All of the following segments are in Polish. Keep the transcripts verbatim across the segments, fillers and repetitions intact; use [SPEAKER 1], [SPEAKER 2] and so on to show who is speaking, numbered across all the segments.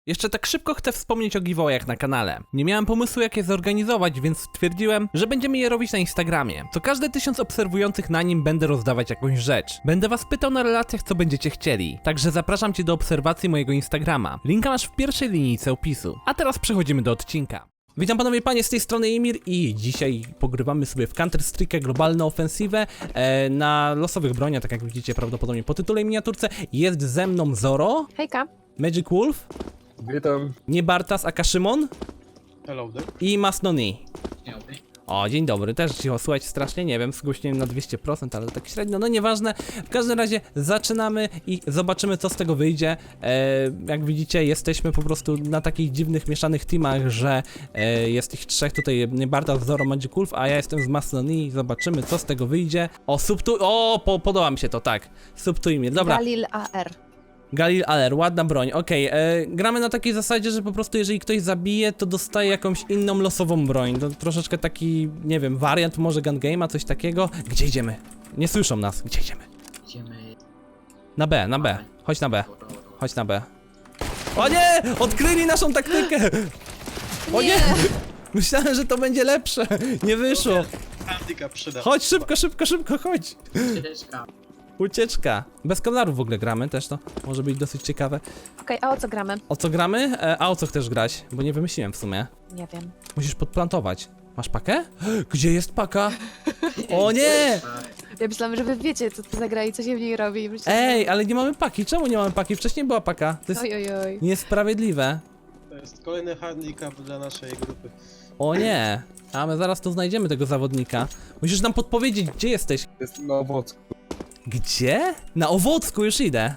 [SPEAKER 1] Jeszcze tak szybko chcę wspomnieć o giveawayach na kanale. Nie miałem pomysłu jak je zorganizować, więc stwierdziłem, że będziemy je robić na Instagramie. Co każde tysiąc obserwujących na nim będę rozdawać jakąś rzecz. Będę was pytał na relacjach, co będziecie chcieli. Także zapraszam cię do obserwacji mojego Instagrama. Linka masz w pierwszej linijce opisu. A teraz przechodzimy do odcinka. Witam panowie i panie, z tej strony Imir i dzisiaj pogrywamy sobie w Counter-Strike'ę globalną ofensywę e, na losowych broniach, tak jak widzicie prawdopodobnie po tytule i miniaturce. Jest ze mną Zoro,
[SPEAKER 2] Hejka.
[SPEAKER 1] Magic Wolf,
[SPEAKER 3] Witam.
[SPEAKER 1] Niebartas aka Szymon
[SPEAKER 4] Hello there.
[SPEAKER 1] i Masnoni. O, dzień dobry, też cicho, słuchajcie, strasznie, nie wiem, zgłośniłem na dwieście procent, ale tak średnio, no nieważne. W każdym razie zaczynamy i zobaczymy, co z tego wyjdzie. E, jak widzicie, jesteśmy po prostu na takich dziwnych, mieszanych teamach, że e, jest ich trzech, tutaj Niebartas, Zoro, Magic Wolf, a ja jestem z Masnoni. Zobaczymy, co z tego wyjdzie. O, subtu... O, po, podoba mi się to, tak. Subtujmy, dobra.
[SPEAKER 2] Galil A R.
[SPEAKER 1] Galil Aler, ładna broń, okej, okay. Gramy na takiej zasadzie, że po prostu jeżeli ktoś zabije, to dostaje jakąś inną losową broń, to troszeczkę taki, nie wiem, wariant może gun game'a, coś takiego. Gdzie idziemy? Nie słyszą nas, gdzie idziemy?
[SPEAKER 5] Idziemy.
[SPEAKER 1] Na B, na B, chodź na B, chodź na B. O nie! Odkryli naszą taktykę! O nie! Myślałem, że to będzie lepsze, nie wyszło.
[SPEAKER 4] Handicap przyda.
[SPEAKER 1] Chodź szybko, szybko, szybko, chodź.
[SPEAKER 5] Ścieżka.
[SPEAKER 1] Ucieczka. Bez kolaru w ogóle gramy też, to może być dosyć ciekawe.
[SPEAKER 2] Okej, a o co gramy?
[SPEAKER 1] O co gramy? E, a o co chcesz grać? Bo nie wymyśliłem w sumie.
[SPEAKER 2] Nie wiem.
[SPEAKER 1] Musisz podplantować. Masz pakę? Gdzie jest paka? O nie!
[SPEAKER 2] Ja myślałam, że wy wiecie, co to za gra i co się w niej robi. Myślałam,
[SPEAKER 1] Ej, ale nie mamy paki. Czemu nie mamy paki? Wcześniej była paka. To jest
[SPEAKER 2] Oj, oj, oj.
[SPEAKER 1] niesprawiedliwe.
[SPEAKER 4] To jest kolejny handicap dla naszej grupy.
[SPEAKER 1] O nie! A my zaraz tu znajdziemy tego zawodnika. Musisz nam podpowiedzieć, gdzie jesteś.
[SPEAKER 3] Jestem na owocku.
[SPEAKER 1] Gdzie? Na Owocku już idę.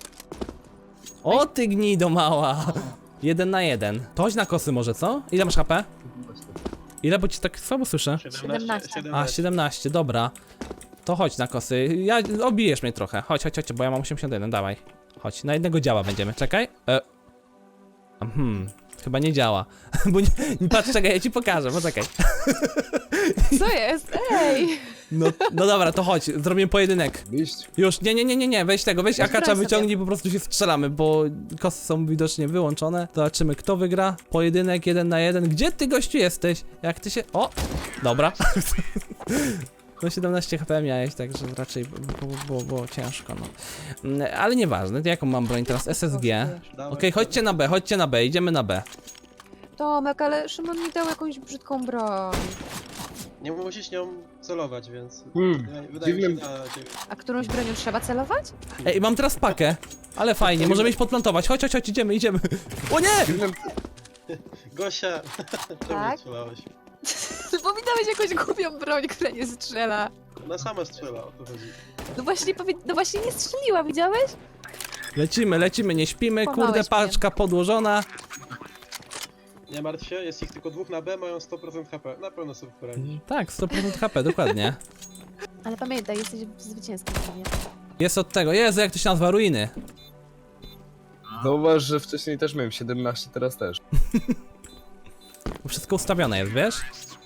[SPEAKER 1] O ty gnido mała. Jeden na jeden. To chodź na kosy może, co? Ile masz H P? Ile, bo ci tak słabo słyszę?
[SPEAKER 2] siedemnaście.
[SPEAKER 1] A, siedemnaście, dobra. To chodź na kosy. Ja, obijesz mnie trochę. Chodź, chodź, chodź, bo ja mam osiemdziesiąt jeden, dawaj. Chodź, na jednego działa będziemy, czekaj. E. Hmm, chyba nie działa. Bo nie, nie, patrz, czekaj, ja ci pokażę, poczekaj.
[SPEAKER 2] Co jest? Ej!
[SPEAKER 1] No, no dobra, to chodź, zrobimy pojedynek.
[SPEAKER 3] Iść.
[SPEAKER 1] Już, nie, nie, nie, nie, nie, weź tego, weź akacza,
[SPEAKER 2] sobie.
[SPEAKER 1] wyciągnij, po prostu się strzelamy, bo kosy są widocznie wyłączone. Zobaczymy, kto wygra. Pojedynek jeden na jeden. Gdzie ty, gościu, jesteś? Jak ty się... O! Dobra. No siedemnaście H P miałeś, także raczej było, było, było ciężko, no. Mm, Ale nieważne, jaką mam broń teraz? S S G. Okej, chodźcie na B, chodźcie na B, idziemy na B.
[SPEAKER 2] Tomek, ale Szymon mi dał jakąś brzydką broń.
[SPEAKER 4] Nie musisz nią celować, więc
[SPEAKER 3] Hmm,
[SPEAKER 4] wydaje, wydaje mi się
[SPEAKER 3] dziwnym-
[SPEAKER 4] na ciebie.
[SPEAKER 2] A którąś bronią trzeba celować?
[SPEAKER 1] Ej, mam teraz pakę. Ale fajnie, możemy iść podplantować. Chodź, chodź, chodź, idziemy, idziemy. O nie!
[SPEAKER 3] Dziwnym...
[SPEAKER 4] Gosia, czemu
[SPEAKER 2] Tak?
[SPEAKER 4] nie strzelałeś?
[SPEAKER 2] Bo mi dałeś jakąś głupią broń, która nie strzela.
[SPEAKER 4] Ona sama strzela, o to chodzi.
[SPEAKER 2] No właśnie, powie... no właśnie nie strzeliła, widziałeś?
[SPEAKER 1] Lecimy, lecimy, nie śpimy, kurde,
[SPEAKER 2] Kłamałeś mnie.
[SPEAKER 1] paczka podłożona.
[SPEAKER 4] Nie martw się, jest ich tylko dwóch na B, mają sto procent H P. Na pewno sobie poradzić.
[SPEAKER 1] Tak, sto procent H P, dokładnie.
[SPEAKER 2] Ale pamiętaj, jesteś zwycięzcą. Nie?
[SPEAKER 1] Jest od tego, Jezu, jak to się nazywa, ruiny.
[SPEAKER 3] Zauważ, że wcześniej też miałem siedemnaście, teraz też.
[SPEAKER 1] Bo wszystko ustawione jest, wiesz?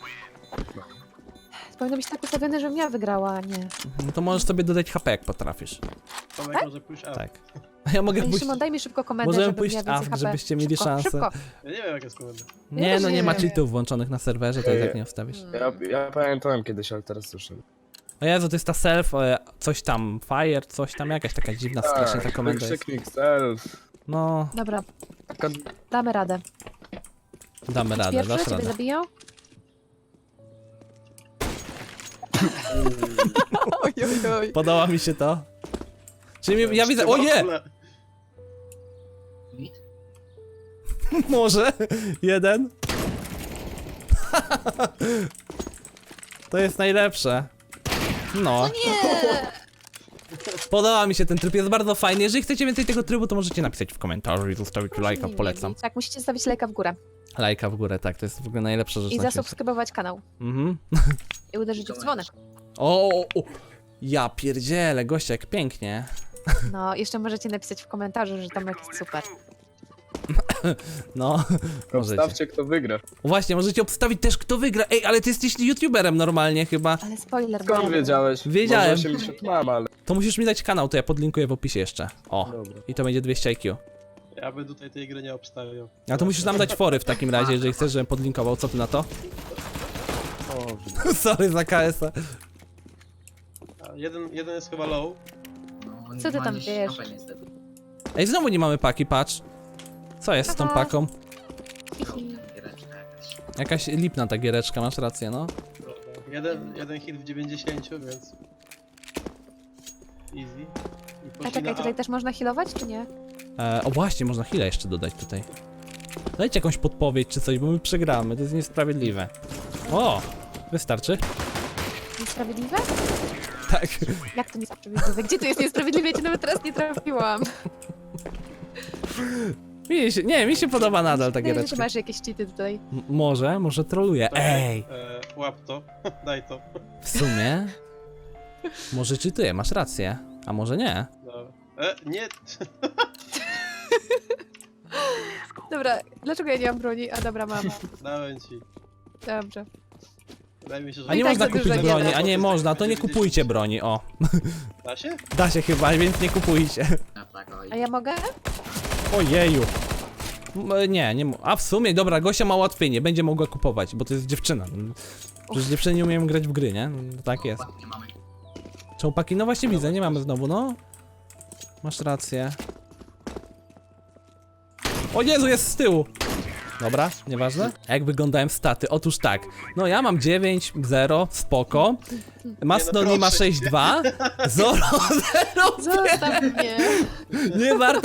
[SPEAKER 2] Powinno być tak ustawione, żebym ja wygrała, a nie.
[SPEAKER 1] No to możesz sobie dodać H P, jak potrafisz.
[SPEAKER 4] Tomek może pójść A.
[SPEAKER 1] Tak. A ja mogę
[SPEAKER 2] Ej,
[SPEAKER 1] pójść...
[SPEAKER 2] Szymon, daj mi szybko komendę,
[SPEAKER 1] Możemy
[SPEAKER 2] żebym
[SPEAKER 1] pójść
[SPEAKER 2] miała więcej
[SPEAKER 1] A,
[SPEAKER 2] H P.
[SPEAKER 1] żebyście mieli
[SPEAKER 2] szybko,
[SPEAKER 1] szansę.
[SPEAKER 2] Szybko.
[SPEAKER 4] Ja nie wiem jak jest komenda.
[SPEAKER 1] Nie, no
[SPEAKER 2] też
[SPEAKER 1] nie
[SPEAKER 2] nie
[SPEAKER 1] ma
[SPEAKER 2] wiem.
[SPEAKER 1] cheatów włączonych na serwerze, to i tak nie ustawisz.
[SPEAKER 3] Ja, ja pamiętałem kiedyś, ale teraz już nie.
[SPEAKER 1] O Jezu, to jest ta self, e, coś tam, fire, coś tam, jakaś taka dziwna, strasznie ta komenda jest.
[SPEAKER 3] wykrzyknik self.
[SPEAKER 1] No,
[SPEAKER 2] Dobra,
[SPEAKER 3] Taka...
[SPEAKER 2] damy radę.
[SPEAKER 1] damy radę,
[SPEAKER 2] Pierwszy
[SPEAKER 1] dasz
[SPEAKER 2] ciebie
[SPEAKER 1] radę.
[SPEAKER 2] zabijał? oj, oj, oj.
[SPEAKER 1] Podoba mi się to. Czyli mi- ja widzę, o nie! Może, jeden. To jest najlepsze. No. Podoba mi się ten tryb, jest bardzo fajny. Jeżeli chcecie więcej tego trybu, to możecie napisać w komentarzu i zostawić lajka, polecam.
[SPEAKER 2] Tak, musicie zostawić lajka w górę.
[SPEAKER 1] Lajka w górę, tak, to jest w ogóle najlepsza rzecz
[SPEAKER 2] I
[SPEAKER 1] na świecie.
[SPEAKER 2] zasubskrybować kanał.
[SPEAKER 1] Mhm.
[SPEAKER 2] I uderzyć w dzwonek.
[SPEAKER 1] O, o, o, ja pierdzielę, gościa, jak pięknie.
[SPEAKER 2] No, jeszcze możecie napisać w komentarzu, że Tomek jest super.
[SPEAKER 1] No, możecie.
[SPEAKER 3] Obstawcie, kto wygra.
[SPEAKER 1] Właśnie, możecie obstawić też, kto wygra. Ej, ale ty jesteś youtuberem normalnie chyba.
[SPEAKER 2] Ale spoiler.
[SPEAKER 3] Skąd
[SPEAKER 2] bo-
[SPEAKER 3] wiedziałeś?
[SPEAKER 1] Wiedziałem.
[SPEAKER 3] Może osiemdziesiąt mam, ale...
[SPEAKER 1] To musisz mi dać kanał, to ja podlinkuję w opisie jeszcze. O,
[SPEAKER 3] Dobra.
[SPEAKER 1] i to będzie dwieście I Q.
[SPEAKER 4] Ja bym tutaj tej gry nie obstawiał.
[SPEAKER 1] A to musisz nam dać fory w takim razie, jeżeli chcesz, żebym podlinkował. Co ty na to?
[SPEAKER 3] O,
[SPEAKER 1] Sorry za K S a.
[SPEAKER 4] A jeden, jeden jest chyba low.
[SPEAKER 5] No,
[SPEAKER 2] Co ty
[SPEAKER 5] ma
[SPEAKER 2] tam
[SPEAKER 5] gdzieś
[SPEAKER 2] wiesz?
[SPEAKER 5] mapę niestety.
[SPEAKER 1] Ej, znowu nie mamy paki, patrz. Co jest z tą
[SPEAKER 2] Aha.
[SPEAKER 1] paką?
[SPEAKER 2] Hihi.
[SPEAKER 5] Giereczka jakaś.
[SPEAKER 1] Jakaś lipna ta giereczka, masz rację, no.
[SPEAKER 4] Jeden, jeden hit w dziewięćdziesięciu, więc... Easy. I
[SPEAKER 2] A
[SPEAKER 4] poszli
[SPEAKER 2] czekaj,
[SPEAKER 4] na
[SPEAKER 2] tutaj też można healować, czy nie?
[SPEAKER 1] E, o właśnie, można chwilę jeszcze dodać tutaj. Dajcie jakąś podpowiedź czy coś, bo my przegramy, to jest niesprawiedliwe. O! Wystarczy?
[SPEAKER 2] Niesprawiedliwe?
[SPEAKER 1] Tak.
[SPEAKER 2] Jak to niesprawiedliwe? Gdzie to jest niesprawiedliwe? Ja cię nawet teraz nie trafiłam.
[SPEAKER 1] Mi się, nie, mi się podoba nadal ta
[SPEAKER 2] Wydaje mi się, że
[SPEAKER 1] giereczka.
[SPEAKER 2] masz jakieś cheaty tutaj.
[SPEAKER 1] M- może, może troluję. Ej!
[SPEAKER 4] E, łap to, daj to.
[SPEAKER 1] W sumie... Może czytuję, masz rację. A może nie?
[SPEAKER 4] No. E, nie!
[SPEAKER 2] Dobra, dlaczego ja nie mam broni? A dobra, mam.
[SPEAKER 4] Dałem ci.
[SPEAKER 2] Dobrze.
[SPEAKER 4] Wydaje mi się, że...
[SPEAKER 1] A nie
[SPEAKER 2] I tak
[SPEAKER 1] można
[SPEAKER 2] za dużo
[SPEAKER 1] kupić
[SPEAKER 2] nie
[SPEAKER 1] broni,
[SPEAKER 2] da.
[SPEAKER 1] a nie można, to nie kupujcie broni, o.
[SPEAKER 4] Da się?
[SPEAKER 1] Da się chyba, więc nie kupujcie.
[SPEAKER 5] Ja tak, oj.
[SPEAKER 2] A ja mogę?
[SPEAKER 1] Ojeju. M- Nie, nie. mo- A w sumie, dobra, Gosia ma łatwiej, nie będzie mogła kupować, bo to jest dziewczyna. Przecież dziewczyny nie umieją grać w gry, nie? No, tak jest.
[SPEAKER 5] Nie mamy.
[SPEAKER 1] Czołpaki, no właśnie widzę, nie mamy znowu, no. Masz rację. O Jezu, jest z tyłu! Dobra, nieważne. A jak wyglądają staty? Otóż tak. No ja mam dziewięć zero, spoko. Masnoni ma
[SPEAKER 4] proszę
[SPEAKER 1] sześć dwa. Zoro zero.
[SPEAKER 2] Zostaw mnie.
[SPEAKER 1] Nie warto.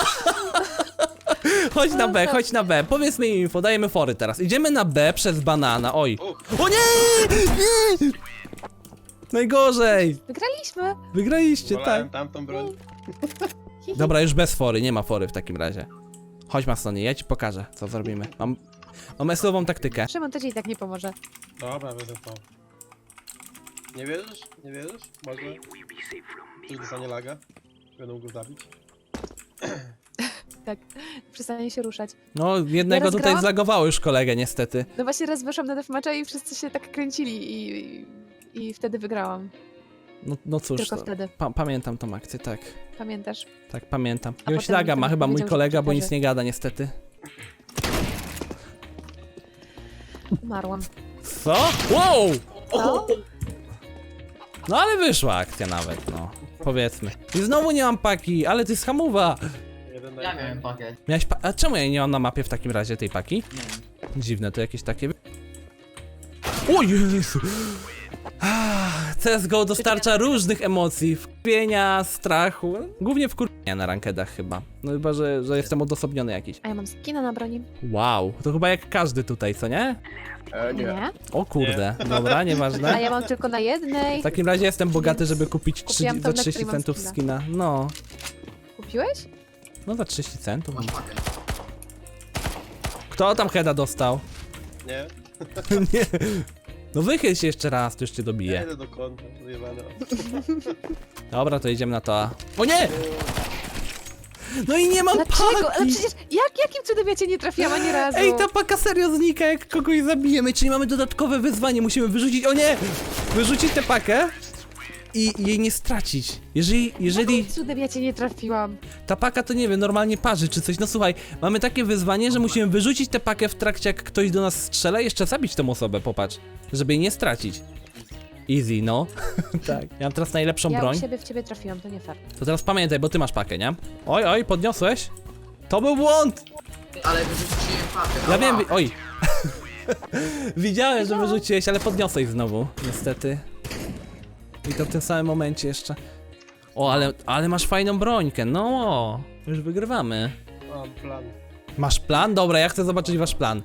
[SPEAKER 1] Chodź na B, chodź na B. Powiedz mi info, dajemy fory teraz. Idziemy na B przez banana, oj.
[SPEAKER 4] Uch,
[SPEAKER 1] O nie! Nie! Najgorzej!
[SPEAKER 2] Wygraliśmy.
[SPEAKER 1] Wygraliście,
[SPEAKER 4] wolałem
[SPEAKER 1] tak.
[SPEAKER 4] tamtą broń.
[SPEAKER 1] Dobra, już bez fory, nie ma fory w takim razie. Chodź Masoni, ja ci pokażę, co zrobimy. Mam, mam esową taktykę.
[SPEAKER 2] Szymon, to ci i tak nie pomoże.
[SPEAKER 4] Dobra, wezmę to. Nie wierzysz? Nie wierzysz? Może? Czy dostanie laga? Będą go zabić?
[SPEAKER 2] Tak. Przestanie się ruszać.
[SPEAKER 1] No, jednego
[SPEAKER 2] Ja
[SPEAKER 1] tutaj
[SPEAKER 2] rozgrałam?
[SPEAKER 1] zlagowało już kolegę, niestety.
[SPEAKER 2] No właśnie raz weszłam na deathmatcha i wszyscy się tak kręcili i, i wtedy wygrałam.
[SPEAKER 1] No, no cóż,
[SPEAKER 2] Tylko
[SPEAKER 1] to,
[SPEAKER 2] wtedy.
[SPEAKER 1] pa pamiętam tą akcję, tak.
[SPEAKER 2] Pamiętasz?
[SPEAKER 1] Tak, pamiętam.
[SPEAKER 2] A
[SPEAKER 1] Jakiegoś
[SPEAKER 2] potem
[SPEAKER 1] laga ma
[SPEAKER 2] ten
[SPEAKER 1] chyba mój
[SPEAKER 2] powiedział, że
[SPEAKER 1] kolega, bo nic
[SPEAKER 2] przekaże.
[SPEAKER 1] nie gada niestety.
[SPEAKER 2] Umarłam.
[SPEAKER 1] Co? Wow!
[SPEAKER 2] Co?
[SPEAKER 1] No ale wyszła akcja nawet, no. Powiedzmy. I znowu nie mam paki, ale ty jest hamowa.
[SPEAKER 4] Jeden na
[SPEAKER 5] Ja
[SPEAKER 4] jeden.
[SPEAKER 5] miałem pakiet.
[SPEAKER 1] Miałeś pa A czemu ja nie mam na mapie w takim razie tej paki?
[SPEAKER 5] Nie wiem.
[SPEAKER 1] Dziwne, to jakieś takie... O Jezu! Ah, C S G O dostarcza różnych emocji, wkurwienia, strachu, głównie wkurwienia na rankedach chyba. No chyba, że, że jestem odosobniony jakiś.
[SPEAKER 2] A ja mam skina na broni.
[SPEAKER 1] Wow, to chyba jak każdy tutaj, co nie?
[SPEAKER 3] e, nie.
[SPEAKER 2] Nie.
[SPEAKER 1] O kurde, dobra,
[SPEAKER 2] A
[SPEAKER 1] nieważne.
[SPEAKER 2] ja mam tylko na jednej.
[SPEAKER 1] W takim razie jestem bogaty, żeby kupić trzy,
[SPEAKER 2] Kupiłam tą,
[SPEAKER 1] za
[SPEAKER 2] na
[SPEAKER 1] trzydzieści
[SPEAKER 2] której mam
[SPEAKER 1] centów
[SPEAKER 2] skina.
[SPEAKER 1] skina. No,
[SPEAKER 2] Kupiłeś?
[SPEAKER 1] no za trzydzieści centów.
[SPEAKER 5] Masz pakiet.
[SPEAKER 1] Kto tam heada dostał?
[SPEAKER 4] Nie?
[SPEAKER 1] Nie. No wychyl się jeszcze raz, to już cię
[SPEAKER 4] Ja
[SPEAKER 1] dobiję.
[SPEAKER 4] idę do kąta, wyjebane.
[SPEAKER 1] Dobra, to idziemy na to A. O nie! No i nie mam
[SPEAKER 2] Dlaczego? Ale
[SPEAKER 1] paki!
[SPEAKER 2] przecież jak, jakim cudem ja cię nie trafiłam ani razu?
[SPEAKER 1] Ej, ta paka serio znika, jak kogoś zabijemy, czyli mamy dodatkowe wyzwanie, musimy wyrzucić, o nie! Wyrzucić tę pakę i jej nie stracić. Jeżeli, jeżeli
[SPEAKER 2] Jakim cudem ja cię nie trafiłam?
[SPEAKER 1] ta paka to nie wiem, normalnie parzy czy coś, no słuchaj, mamy takie wyzwanie, że musimy wyrzucić tę pakę w trakcie jak ktoś do nas strzela i jeszcze zabić tę osobę, popatrz, żeby jej nie stracić. Easy, no. Tak, ja mam teraz najlepszą
[SPEAKER 2] Ja
[SPEAKER 1] broń.
[SPEAKER 2] u siebie w ciebie trafiłam, to nie fair.
[SPEAKER 1] To teraz pamiętaj, bo ty masz pakę, nie? Oj, oj, podniosłeś? To był błąd!
[SPEAKER 5] Ale wyrzuciłem pakiet.
[SPEAKER 1] Ja
[SPEAKER 5] Ała.
[SPEAKER 1] wiem, wi- oj. Widziałem, że wyrzuciłeś, ale podniosłeś znowu, niestety. I to w tym samym momencie jeszcze. O, ale, ale masz fajną brońkę, no. Już wygrywamy.
[SPEAKER 4] Mam plan.
[SPEAKER 1] Masz plan? Dobra, ja chcę zobaczyć wasz plan.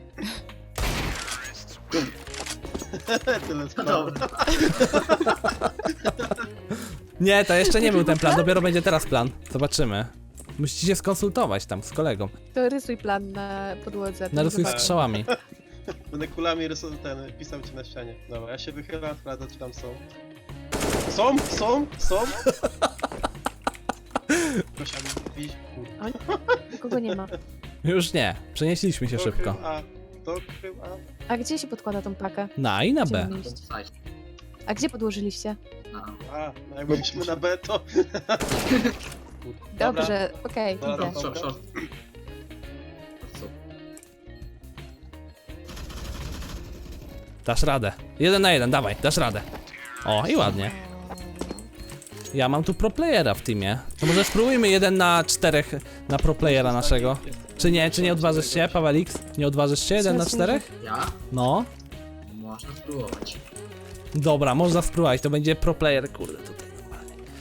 [SPEAKER 4] Tyle z
[SPEAKER 5] No
[SPEAKER 4] planu.
[SPEAKER 5] dobra.
[SPEAKER 1] Nie, to jeszcze nie był ten plan, dopiero będzie teraz plan. Zobaczymy. Musicie się skonsultować tam z kolegą.
[SPEAKER 2] To rysuj plan na podłodze. to
[SPEAKER 1] Narysuj
[SPEAKER 2] zobacz.
[SPEAKER 1] strzałami.
[SPEAKER 4] Będę kulami rysował ten, pisał ci na ścianie. Dobra, ja się wychylam, sprawdzę czy tam są. Są, są, są. Proszę mi iść, kurde.
[SPEAKER 2] Nikogo nie ma.
[SPEAKER 1] Już nie, przenieśliśmy się
[SPEAKER 4] To
[SPEAKER 1] szybko.
[SPEAKER 4] krył A, to krył A.
[SPEAKER 2] A gdzie się podkłada tą pakę?
[SPEAKER 1] Na i na
[SPEAKER 2] Gdzie
[SPEAKER 1] B.
[SPEAKER 2] mam iść?
[SPEAKER 5] Słuchaj,
[SPEAKER 2] A gdzie podłożyliście?
[SPEAKER 5] no.
[SPEAKER 4] A, no jak byliśmy na B to... food.
[SPEAKER 2] Dobrze, okej,
[SPEAKER 4] Dobra.
[SPEAKER 2] idę.
[SPEAKER 5] Short, short, short. Co?
[SPEAKER 1] Dasz radę. Jeden na jeden, dawaj, dasz radę. O, i ładnie. Ja mam tu pro playera w teamie. To może spróbujmy jeden na czterech na pro playera naszego. Czy nie, czy nie odważysz się, Pawelix? Nie odważysz się jeden na czterech?
[SPEAKER 5] Ja?
[SPEAKER 1] No.
[SPEAKER 5] Można spróbować.
[SPEAKER 1] Dobra, można spróbować, to będzie pro player, kurde tutaj.